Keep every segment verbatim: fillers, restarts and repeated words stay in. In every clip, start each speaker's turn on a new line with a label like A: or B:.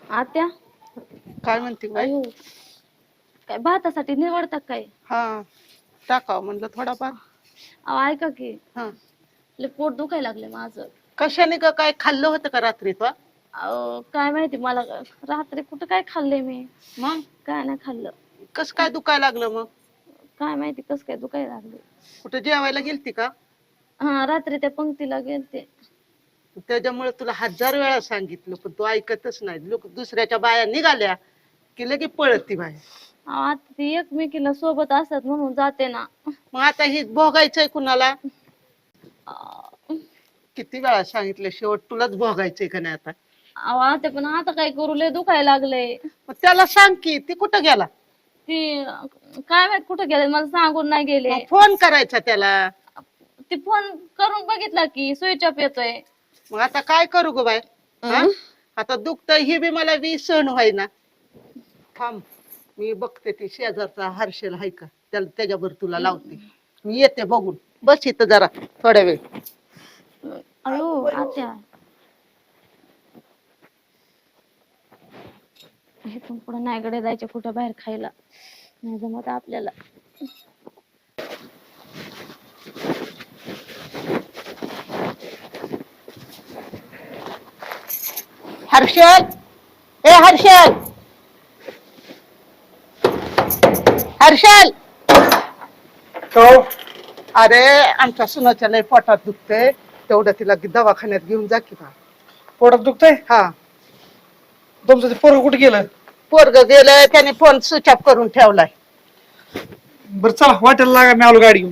A: आत्या.
B: काय म्हणते बाई?
A: अयो, काय भातासाठी निवडतात काय?
B: हा, टाकाव म्हणलं थोडाफार.
A: अहो ऐका की,
B: हा,
A: लय पोट दुखायला लागले माझं.
B: कशाने का काय खाल्लं होतं का रात्री तो?
A: अहो काय माहिती मला, रात्री कुठं काय खाल्लंय मी?
B: मग
A: काय नाही खाल्लं.
B: कस काय दुखायला लागलं मग?
A: काय माहिती कस काय दुखायला लागले.
B: कुठे जेवायला गेलती का?
A: हा, रात्री त्या पंक्तीला गेलते.
B: त्याच्यामुळे तुला हजार वेळा सांगितलं पण तू ऐकतच नाही. लोक दुसऱ्याच्या बाया निघाल्या की लगे पळती बाया.
A: अहो, आता ती एकमेकीला सोबत असतात म्हणून जाते ना.
B: मग आता ही भोगायचंय कुणाला?
A: अहो
B: किती वेळा सांगितलं, शेवट तुलाच भोगायचंय का नाही आता?
A: आता पण आता काय करू, लय दुखायला लागलंय.
B: मग त्याला सांग की, ती कुठं गेला?
A: ती काय माहित कुठे गेले, मला सांगून नाही गेले.
B: मग फोन करायचा त्याला.
A: ती फोन करून बघितला की स्विच ऑफ येतोय.
B: मग आता काय करू ग बाय? आता दुखतंय ही बी मला बी सहन व्हायना. थांब, मी बघते ती शेजारचा हर्षल हाय का, त्याला त्याच्यावर तुला लावते. मी येते बघून. बस इथं जरा थोड्या वेळ.
A: अयो आत्या, हे पण पुढे नाही गडे जायचे कुठं बाहेर खायला, नाही जमत आपल्याला.
B: हर्षल, ए हर्षल, हर्षल. अरे आमच्या सुनाच्या लय पोटात दुखतंय, तेवढं तिला दवाखान्यात घेऊन जा की.
C: पोटात दुखतंय?
B: हा.
C: तुमचं ते पोरग कुठे गेलं?
B: पोरग गेलं, त्याने फोन स्विच ऑफ करून ठेवलाय.
C: बरं चला, वाटेला लागा, मी आलो गाडी घेऊन.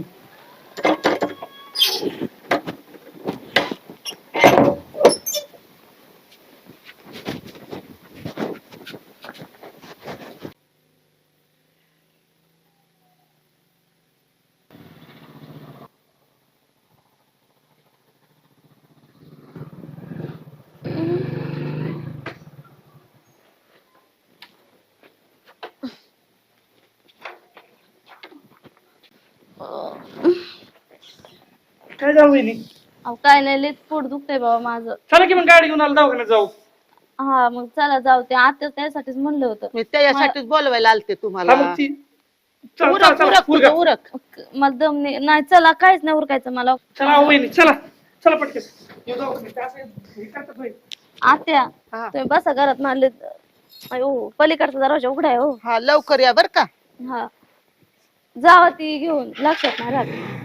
C: काय जाऊ वहिनी?
A: अहो काय नाही, लय पोट दुखतंय बाबा माझं.
C: चला की मग गाडी घेऊन आलो, दवाखान्यात जाऊ.
A: हा मग चला जाऊ. ते आता त्यासाठीच म्हणलं होतं.
B: मी त्याच्यासाठीच बोलवायला आलते
C: हा,
B: तुम्हाला.
C: मग ती चला, चला,
B: उरक
C: चला,
B: उरक
C: उरका.
B: तुझं उरक.
A: मला दम नाही. नाही चला, काहीच नाही उरकायचं मला.
C: चला वहिनी, चला चला पटकन येऊ दवाखान्यात. असं हे करतात होय.
A: आत्या
B: हा.
A: तुम्ही बसा घरात, मारले. अयो पलीकडचा दरवाजा उघडा आहे हो.
B: हा लवकर या बर का.
A: हा जावा ती घेऊन, लक्षात नाही राहत.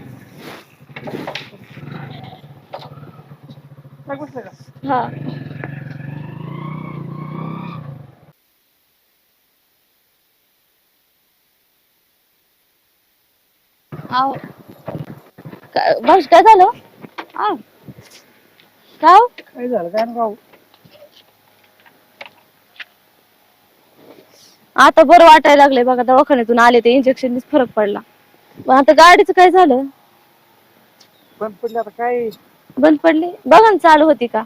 C: काय बसलं का?
A: हा आव काय भाऊजी, काय झालं? आव काय हो?
C: काय झालं काय ना?
A: आता बरं वाटायला लागले बघा, दवाखान्यातून आले ते इंजेक्शननीच फरक पडला. पण आता गाडीचं काय झालं?
C: बंद पडली आता काय?
A: बंद पडली? बघा ना चालू होती का.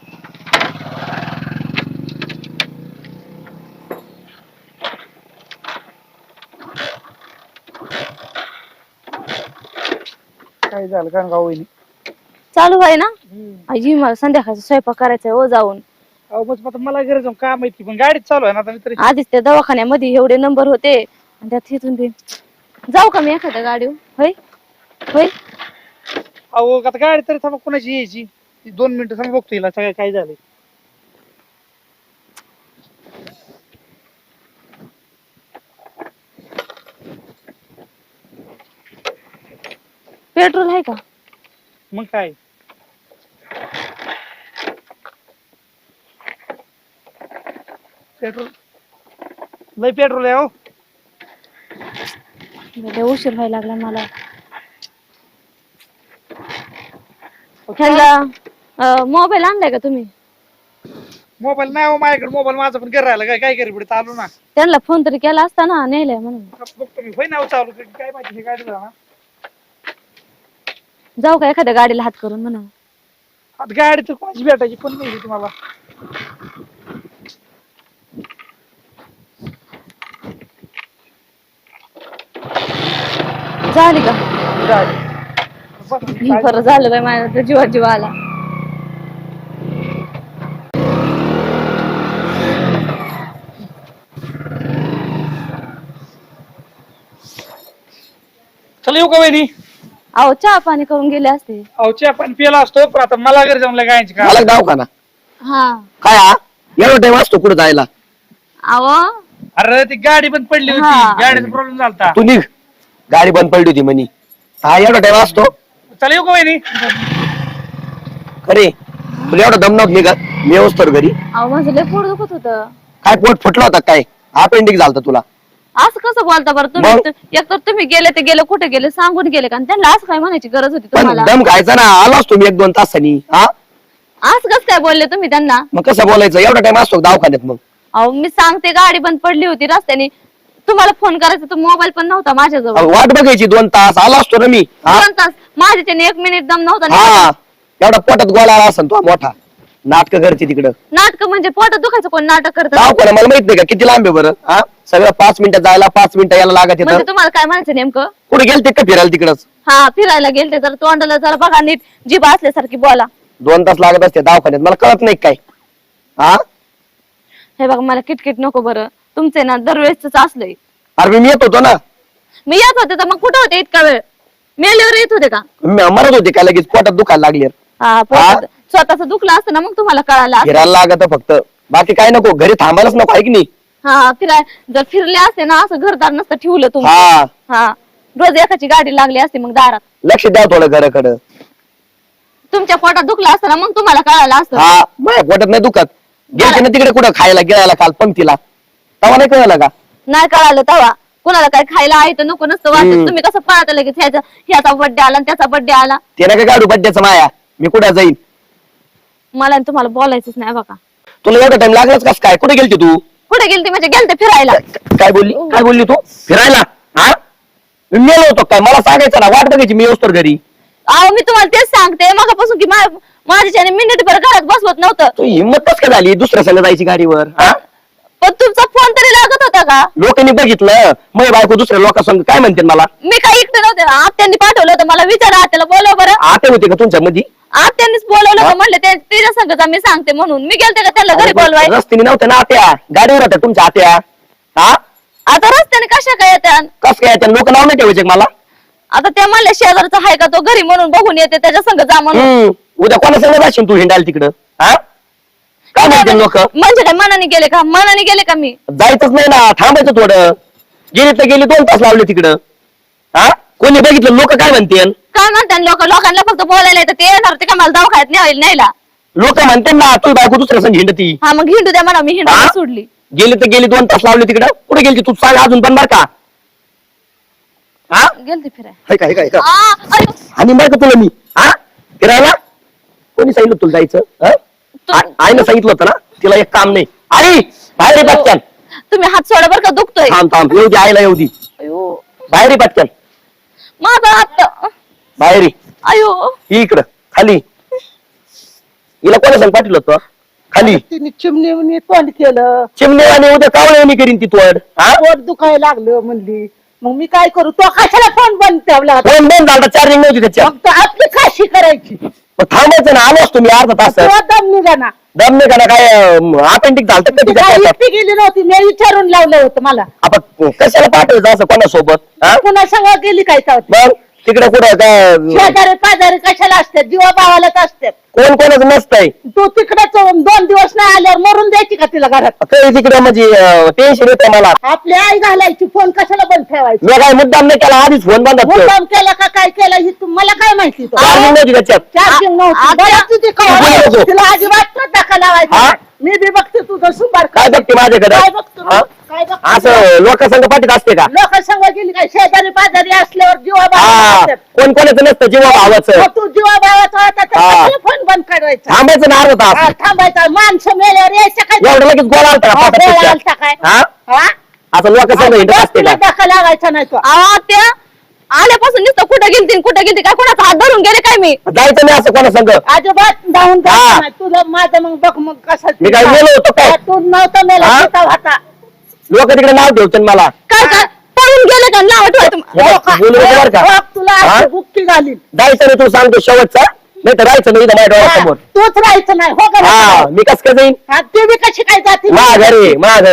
C: काय झालं काय ना वहिनी?
A: चालू आहे ना. आजी मला संध्याकाळचा स्वयंपाक करायचा आहे हो जाऊन.
C: अहो बस आता मला गरज आहे, काय माहिती, पण गाडीत चालू आहे ना आता. मी तरी
A: आधीच त्या दवाखान्यामध्ये एवढे नंबर होते आणि त्यात इथून बी जाऊ का मी एखाद्या गाडीवर? होय होय.
C: अहो आता गाडी तरी थांबा, कोणाची यायची? दोन मिनिटं थांबा, बघतो हिला सगळं काय झालंय.
A: पेट्रोल आहे का?
C: मग काय पेट्रोल, लय पेट्रोल आहे हो.
A: लय उशीर व्हायला लागला मला. ह्याला मोबाईल आणलाय का तुम्ही?
C: मोबाईल नाही हो माझ्याकडे. मोबाईल माझा पण घर राहिला. काय काय करी पुढे चालू ना.
A: त्यांना फोन तरी केला असता ना, नेलाय म्हणून.
C: बघतो मी, होय ना चालू. काय माहिती हे गाडी ना.
A: जाऊ का एखाद्या गाडीला हात करून म्हणा.
C: आता गाडी तर कोणाची भेटायची पण नाही तुम्हाला.
A: झाली का?
C: झाली.
A: बरं झालं बाई, माझ्या जीवा जीवा आला.
C: येऊ का वहिनी?
A: अहो चहा पाणी करून गेले असते.
C: अहो चहा पण पिला असतो पण आता मला घरी जाऊन गायची का
D: मला दवाखाना
A: हा
D: काय हा एवढा टाइम असतो कुठं जायला?
A: अहो
C: अरे ती गाडी पण पडली होती
A: हा.
C: गाडीचा प्रॉब्लेम झालता.
D: तू निघ, गाडी बंद पडली होती म्हणी. हा एवढा टाइम असतो
C: चला येऊ का वहिनी?
D: खरे तुला एवढा दम नव्हत निघत. मी येऊस तर घरी
A: अहो माझं लय पोट दुखत होतं.
D: काय पोट फुटलं होतं काय? अपेंडिक्स झालता तुला?
A: असं कसं बोलता बरं तुम्ही?
D: मग?
A: एक तर तुम्ही गेले ते गेले कुठे गेले सांगून गेले का? आणि त्यांना असं काय म्हणायची गरज होती
D: पण
A: तुम्हाला?
D: दम खायचा ना, आलो असतो मी एक दोन तासांनी. हा
A: असं कसं काय बोलले तुम्ही त्यांना?
D: मग कसं बोलायचं? एवढा टाइम असतो का दवाखान्यात? मग
A: अहो मी सांगते गाडी बंद पडली होती रस्त्याने. तुम्हाला फोन करायचा तर मोबाईल पण नव्हता माझ्याजवळ.
D: अहो, वाट बघायची दोन तास, आलो असतो ना मी. हा
A: दोन तास माझ्याच्याने एक मिनिट दम नव्हता.
D: हा एवढा पोटात गोळा आला असेल तो मोठा. नाटक करते तिकडं.
A: नाटक म्हणजे पोटात दुखायचं कोण नाटक करत?
D: दवाखाना मला माहित नाही का किती लांब आहे बरं? हा सगळं पाच मिनिटं जायला, पाच मिनिटं यायला लागत
A: म्हणजे
D: येतं.
A: तुम्हाला काय म्हणायचं नेमकं?
D: कुठे गेलते का फिरायला तिकडच?
A: हा फिरायला गेलते जरा तोंडाला जरा बघा नीट जीभ असल्यासारखी बोला.
D: दोन तास लागत असते दवाखान्यात, मला कळत नाही काय? हा
A: हे बघा मला किटकिट नको बरं. तुमचे ना दरवेळेसच असलंय.
D: अरे मी येत होतो ना.
A: मी येत होते तर मग कुठं होते इतका वेळ? मेल्यावर येत होते का?
D: मी मरत होते काय लगेच पोटात दुखायला लागले.
A: हा पोटात स्वतःच दुखलं असतं ना मग तुम्हाला कळालं असतं.
D: फिरायला लागत फक्त, बाकी काय नको. घरी थांबायलाच नको आहे की नाही?
A: हा फिराय जर फिरले असते ना असं घरदार नसतं ठेवलं तुम्ही.
D: हा
A: हा रोज एकाची गाडी लागली असते मग दारात.
D: लक्ष द्या थोडं घराकडं.
A: तुमच्या पोटात दुखलं असतं ना मग तुम्हाला कळालं असतं.
D: हा माझ्या पोटात नाही दुखत. गेलते ना तिकडे कुठं खायला गिळायला काल पंक्तीला, तेव्हा नाही कळलं का?
A: नाही कळालं तेव्हा. कुणाला काय खायला आहे तर नको नसतं वाटत.
D: हम्म.
A: तुम्ही कसं पळता लगेच ह्याचा ह्याचा बर्थडे आला आणि त्याचा बर्थडे आला.
D: ते नका काढू बड्ड्याचं माया. मी कुठं जाईन?
A: मला आणि तुम्हाला बोलायचंच नाही बघा.
D: तुला एवढा टाइम लागलाच कस काय? कुठे गेलती तू?
A: कुठे गेलते म्हणजे गेलते फिरायला.
D: काय बोलली? काय बोलली तू? फिरायला? हा मी मेलो होतो काय? मला सांगायचं ना, वाट बघायची मी येऊस तर घरी.
A: अहो मी तुम्हाला तेच सांगते मगापासून की मा- माझ्याच्याने मिनिट भर घरात बसवत नव्हतं.
D: तू हिंमत कस काय झाली दुसऱ्या संग जायची गाडीवर? हा
A: पण तुमचा फोन तरी लागत होता का?
D: लोकांनी बघितलं मै बायको दुसऱ्या लोकांसंग काय म्हणते मला?
A: मी काही इकडे नव्हते. आत्यांनी पाठवलं होतं मला. विचारा आत्याला बोलव बरं.
D: आते होते का तुमच्या मध्ये?
A: आत्यांनीच बोलवलं का म्हणलं ते तिच्या संगचा मी सांगते म्हणून मी गेलते का त्याला घरी बोलवाय.
D: रस्त्याने नव्हत्या ना आत्या, गाडीवर होत्या तुमच्या आत्या. हा
A: आता रस्त्याने कशा काय येत्या?
D: कस काय त्या लोक नाव नाही ठेवायचे का मला?
A: आता त्या म्हणल्या शेजारचा आहे का तो घरी म्हणून बघून येते त्याच्या संग जा म्हणून.
D: हम्म उद्या कोणा संग जाशील तू हिंडायला तिकडं? हा काय म्हणते लोक?
A: म्हणजे काय मनाने गेले का? मनाने गेले का मी?
D: जायचंच नाही ना, थांबायचं थोडं. गेली तर गेली, दोन तास लावले तिकडं. हा कोणी बघितलं लोक काय म्हणते?
A: काय म्हणतात लोक? लोकांना फक्त बोलायला येतं ते येणार ते का मला दवाखान्यात न्यायला न्यायला.
D: लोक म्हणते ना तू बायको दुसऱ्या संग हिंडती.
A: हा मग हिंडू द्या म्हणा. मी हिंडू
D: हा?
A: सोडली.
D: गेली तर गेली, दोन तास लावले तिकडं. कुठे गेली तू? सांग अजून पण बर का? हा
A: गेलते फिराय.
D: हाय का हाय का हाय का?
A: आ, अरे,
D: आणि बरं का तुला मी हा फिरायला कोणी सांगितलं तुला जायचं? हा?
A: तू-
D: आ- आईनं सांगितलं होतं ना तिला एक काम नाही. आई बाहेर ये पटकन.
A: तुम्ही हात सोडा बरं का दुखतोय.
D: थांब थांब येऊ दे, आईला येऊ दे.
A: अयो
D: बाहेर ये पटकन.
A: माझा हात.
D: बाहेर ये.
A: अयो
D: ही इकडं खाली. हिला कोणा सांग पाठवलं होतं? खाली
B: तिने चिमणी तोंड केलं,
D: चिमणेवाणी उद्या कावळेवाणी करीन ती तोड. हा
B: पोट दुखायला लागलं म्हणली. मग मी काय करू? तो कशाला फोन बंद ठेवला होता?
D: फोन बंद झाला, चार्जिंग नव्हती त्याच्यात.
B: मग तो आपली काशी करायची.
D: मग थांबायचं ना, आलो असतो मी अर्धा तास.
B: तो दम निघा ना.
D: दम नाही का ना? काय अपेंडिक झालं का
B: ती
D: तिच्या
B: काय
D: पोटात?
B: एकटी गेली नव्हती, मी विचारून लावलं होतं मला.
D: आपण कशाला पाठवायचं असं कोणासोबत? हा
B: पुन्हा संग गेली काय तर?
D: मग तिकडे कुठं काय
B: शेजारी पाजारी कशाला असतात? जीवा भावालाच असतात.
D: कोण कोणाचं नसतंय.
B: तू तिकडे दोन दिवस नाही आल्यावर मरून द्यायची का तिला घरात?
D: काही तिकडे म्हणजे टेन्शन येते मला.
B: आपली आई घालायची, फोन कशाला बंद ठेवायची?
D: मी काय मुद्दाम नाही केला, आधीच फोन बंद असतो.
B: मुद्दाम केला का काय केला ही तू मला काय माहिती? तो
D: चार्जिंग नव्हती त्याच्यात.
B: चार्जिंग नव्हती.
A: आ-
B: बरं तुझी
D: तू बोलू नको.
B: कवा तिला अजिबात तो धक्का लावायचा
D: हा?
B: नाही. मी बी बघते तुझं सुपार
D: काय बघते माझ्याकडे?
B: काय बघतो?
D: हा?
B: काय बघतो?
D: असं लोकांसंग पाठीत असते का?
B: लोक संग गेली काय? शेजारी पाजारी असल्यावर जीवा
D: हा
B: भावाला
D: कोण कोणाचं नसतं जीवा भावाचं.
B: तू जीवा भावाचा होता तर
D: हा.
B: कशाला फोन बंद करायचा?
D: थांबायचं ना अर्धा
B: हा,
D: तास.
B: थांबायचा. माणसं मेल्यावर यायचं काय?
D: एवढं लगेच गोळा आलता का
B: हा,
D: पोटात
B: गोळा
D: तिच्या?
B: आलता काय?
D: हा
B: हा?
D: असं लोकांसंग हिंडत असते
B: तुला
D: का?
B: धक्का लावायचा नाही तो.
A: अहो त्या आल्यापासून नुसतं कुठं गेलती कुठं गेलती काय कोणाचा हात धरून गेले काय मी?
D: जायचं नाही असं कोणासंग.
B: अजिबात जाऊन
D: हा.
B: द्यायचं नाही. तुला माझं मग बघ मग कसं.
D: मी काय मेलो होतो काय?
B: तू नव्हतं मेला,
D: हा?
B: होता होता.
D: लोक तिकडे नाव ठेवतात मला.
A: काय काय पळून गेले का नाव ठेवायचं?
D: हे बघ, बोलू नको बरं का?
B: बघ, तुला
D: हा?
B: अशी बुक्की घालीन.
D: जायचं नाही तू सांगतो शेवटचा, नाही तर राहायचं नाही इथं माझ्या
B: हा,
D: डोळ्यासमोर.
B: तूच राहायचं नाही हो का?
D: हा मी कस काय जाईन?
B: हा, ती बी कशी काय जाते?
D: मा घरे मा घरे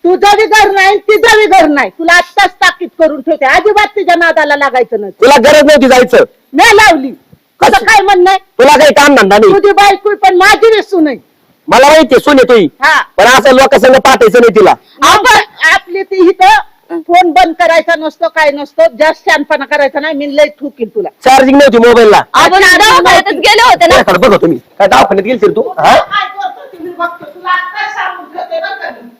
B: तुझं बी घर नाही तिचं बी घर नाही तुला आत्ताच ताकीद करून ठेवते अजिबात तिच्या नादाला लागायचं नाही
D: तुला गरज नव्हती जायचं.
B: नाही लावली कसं काय म्हणणं आहे?
D: तुला काही काम धंदा नाही.
B: तुझी बायको पण माझी विसू नाही
D: मला माहितीये सुने तुई,
B: हा
D: पण असं लोकांसंग पाठायचं नाही तिला.
B: आपण आपली ती इथं फोन बंद करायचा नसतो काय नसतो जास्त शहाणपणा करायचा नाही मी लय ठुकील तुला
D: चार्जिंग नव्हती मोबाईलला.
A: आपण दवाखान्यातच गेले होते ना.
D: बघ तुम्ही काय दवाखान्यात गेलतील तू हा
B: काय करतो ते मी बघतो तुला आत्ताच सांगून ठेवते बरं का मी.